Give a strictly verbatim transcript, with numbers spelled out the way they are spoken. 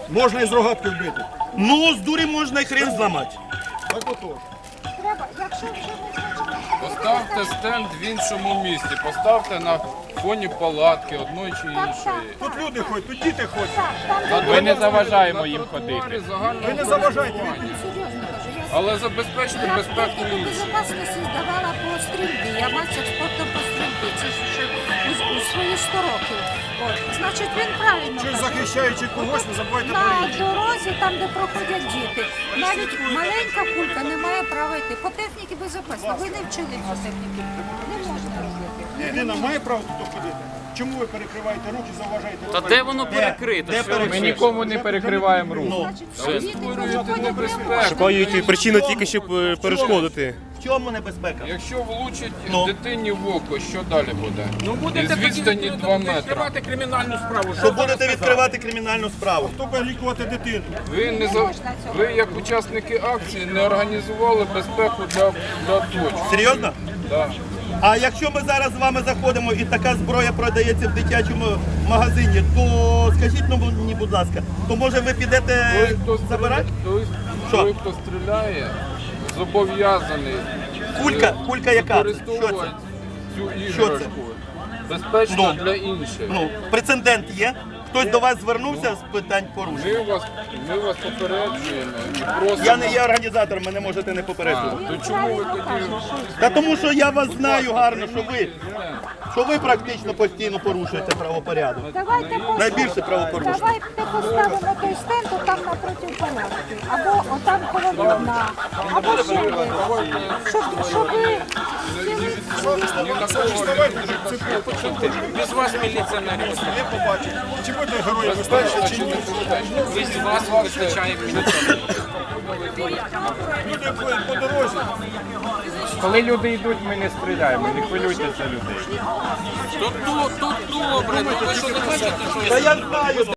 Можна і з рогатки вбити. Ну, з дурі можна і хрен зламати. Так отож. Треба, якщо вже ми хочемо... Поставте стенд в іншому місці, поставте на фоні палатки одної чи Так, іншої. так, Тут люди ходять, тут діти ходять. так, там де Ми не заважаємо їм тротуарі ходити. загального Ви не заважайте. користування. серйозно кажу, я Але забезпечте Я безпеку техніку інших. безпечності здавала по стрільбі. Я мастер спорту по стрільбі. Це ж ще у, у свої сто років. От. Значить, він правильно Чи ж каже. захищаючи когось, не забувайте про На інших. дорозі, там, де проходять діти, навіть маленька кулька не має права йти. По техніці безпечно. Ви не вчили цю техніку. Не можна робити. Людина має право тут ходити? Чому ви перекриваєте руки, заважаєте? Та де воно перекрито? Де Що ви? перекрито? Ми нікому не перекриваємо рух. Значить, діти проходять небезпеку. Шукають причину тільки, щоб е, перешкодити. В чому небезпека? Якщо влучить Ну. дитині в око, що далі буде? Ну будете Із відстані два метри. відкривати кримінальну справу. Що будете відкривати кримінальну справу? Хто буде лікувати дитину? Ви не за ви як учасники акції не організували безпеку для, для точок. Серйозно? Да. А якщо ми зараз з вами заходимо і така зброя продається в дитячому магазині, то скажіть ну, мені, будь ласка, то може ви підете Той, хто забирати? стріляє, той, Що? той, хто стріляє, зобов'язаний Кулька, кулька яка? Що це? використовувати цю Що це? іграшку. Безпечно Ну. для інших. Ну, прецедент є? Хтось до вас звернувся з питань порушень? Ми вас, ми вас попереджуємо і просимо. Я не є організатором, мене можете не А, попереджувати. то чому ви тоді? Та тому що я вас знаю гарно, що ви, що ви практично постійно порушуєте правопорядок. Давайте поставимо- Найбільше правопорушення. Давайте поставимо той стенд там напроти палатки. Або отам коло вікна. Або ще десь. Щоб, щоб ви Ні на кого не Без вас міліція не рішить. Не побачить. Чи буде герої безпечно, чи ні? Без вас вистачає міліція. Люди по- по дорозі. Коли люди йдуть, ми не стріляємо. Не хвилюйтеся за людей. Та я знаю.